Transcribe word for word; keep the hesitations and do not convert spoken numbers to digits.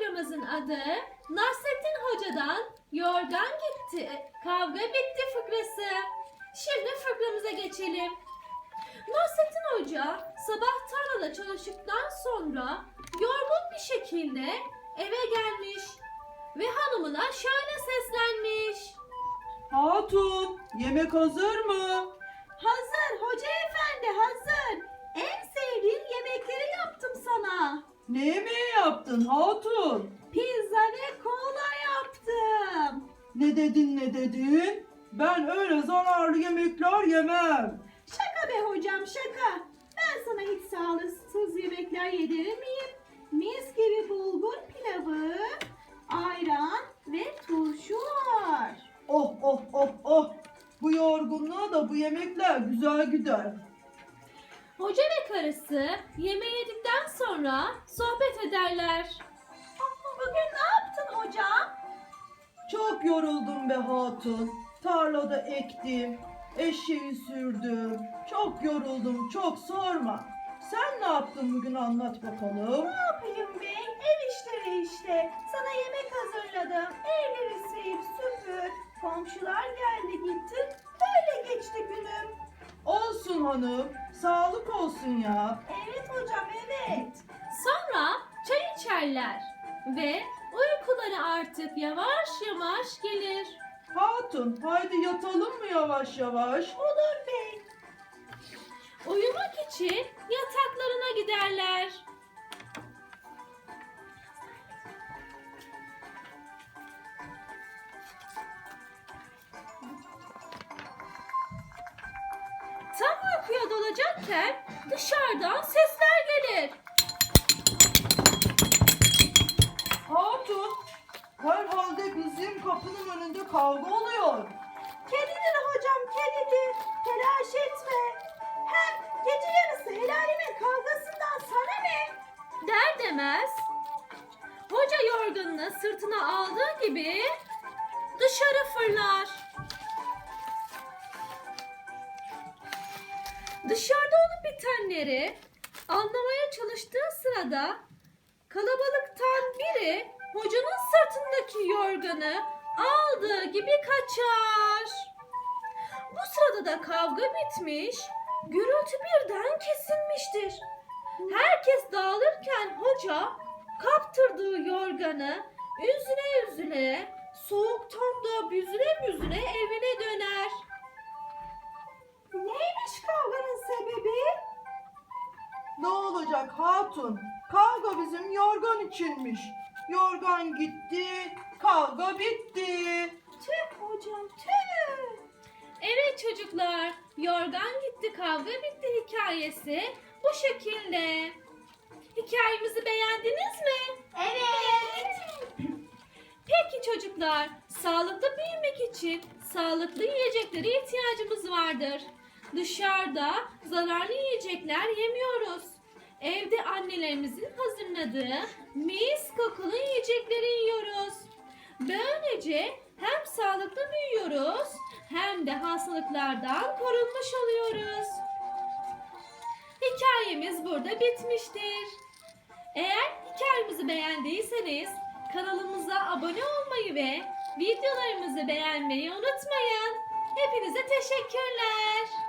fıkramızın adı Nasrettin Hoca'dan Yorgan Gitti, Kavga Bitti fıkrası. Şimdi fıkramıza geçelim. Nasrettin Hoca sabah tarlada çalıştıktan sonra yorgun bir şekilde eve gelmiş ve hanımına şöyle seslenmiş. Hatun, yemek hazır mı? Hazır hoca efendi, hazır. En sevdiğin yemekleri yaptım sana. Ne yemeği yaptın hatun? Pizza ve kola yaptım. Ne dedin ne dedin? Ben öyle zararlı yemekler yemem. Şaka be hocam, şaka. Ben sana hiç sağlıksız yemekler yedirir miyim? Mis gibi bulgur pilavı, ayran ve turşu var. Oh oh oh oh. Bu yorgunluğa da bu yemekler güzel gider. Hoca ve karısı yemeği yedikten sonra sohbet ederler. Bugün ne yaptın hocam? Çok yoruldum be hatun. Tarlada ektim, eşeği sürdüm. Çok yoruldum, çok sorma. Sen ne yaptın bugün anlat bakalım. Ne yapayım bey? Ev işleri işte. Sana yemek hazırladım. Evleri sil, süpür. Komşular geldi gitti. Böyle geçti günüm. Olsun hanım, sağlık olsun ya. Evet hocam, evet. Sonra çay içerler ve uykuları artık yavaş yavaş gelir. Hatun, haydi yatalım mı yavaş yavaş? Olur bey. Uyumak için yataklarına giderler. Tam uykuya dalacakken dışarıdan sesler gelir. Hatun, herhalde bizim kapının önünde kavga oluyor. Kedidir hocam, kedidir. Telaş etme. Hem gece yarısı helalimin kavgasından sana ne? Der demez hoca yorganını sırtına aldığı gibi dışarı fırlar. Dışarıda olup bitenleri anlamaya çalıştığı sırada kalabalıktan biri hocanın sırtındaki yorganı aldığı gibi kaçar. Bu sırada da kavga bitmiş, gürültü birden kesilmiştir. Herkes dağılırken hoca kaptırdığı yorganı üzüle üzüle, soğuktan da büzüle büzüle evine döner. Neymiş kavganın sebebi? Ne olacak hatun? Kavga bizim yorgan içinmiş. Yorgan gitti, kavga bitti. Tüh hocam, tüh. Evet çocuklar, yorgan gitti kavga bitti hikayesi bu şekilde. Hikayemizi beğendiniz mi? Evet. Peki çocuklar, sağlıklı büyümek için sağlıklı yiyeceklere ihtiyacımız vardır. Dışarıda zararlı yiyecekler yemiyoruz. Evde annelerimizin hazırladığı mis kokulu yiyecekleri yiyoruz. Böylece hem sağlıklı büyüyoruz hem de hastalıklardan korunmuş oluyoruz. Hikayemiz burada bitmiştir. Eğer hikayemizi beğendiyseniz kanalımıza abone olmayı ve videolarımızı beğenmeyi unutmayın. Hepinize teşekkürler.